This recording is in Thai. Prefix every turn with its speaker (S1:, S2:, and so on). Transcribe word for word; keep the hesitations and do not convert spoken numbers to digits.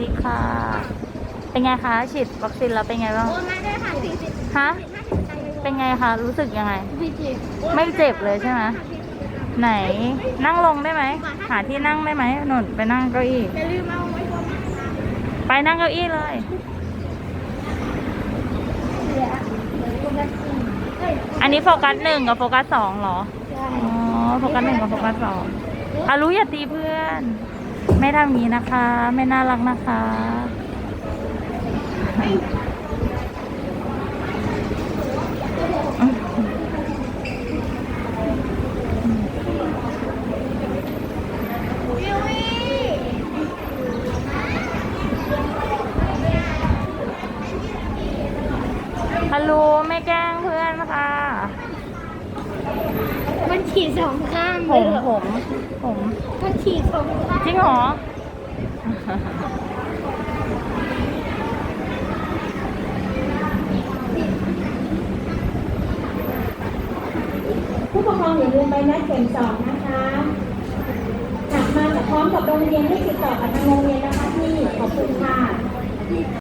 S1: ดีค่ะ เป็นไงคะฉีดวัคซีนแล้วเป็นไงบ้าง
S2: โอ้มาได้ค่ะสี่สิบ
S1: ฮะ เป็นไงคะ รู้สึกยังไง ไม่เจ็บเลยใช่ไหม ไหน นั่งลงได้ไหม หาที่นั่งได้ไหมหนุนไปนั่งเก้าอี้
S2: อย่าลืมเอาไว้บน
S1: ไปนั่งเก้าอี้เลย
S2: เหลือเหลือคนละสี่เฮ้ย
S1: อันนี้โฟกัสหนึ่งกับโฟกัสสองเหรอ
S2: ใช่
S1: อ๋อ โฟกัสหนึ่งกับโฟกัสสองอารู้อย่าตีเพื่อน ไม่ทำอย่างนี้นะคะ ไม่น่ารักนะคะ
S2: วิววี่
S1: ฮัลโหลไม่แกล้งเพื่อนค่ะ
S2: มันฉีดสองข้าง
S1: ผ
S2: เลย
S1: ม
S2: เหรอ
S1: ผมผม
S2: มันฉีดสองข้าง
S1: จริงเหรอ
S3: ผู้ปกครองอย่าลืมใบนัดเข็มสองนะคะหากมากับพร้อมกับโรงเรียนให้ติดต่อกับทางโรงเรียนนะคะพี่ ขอบคุณค่ะ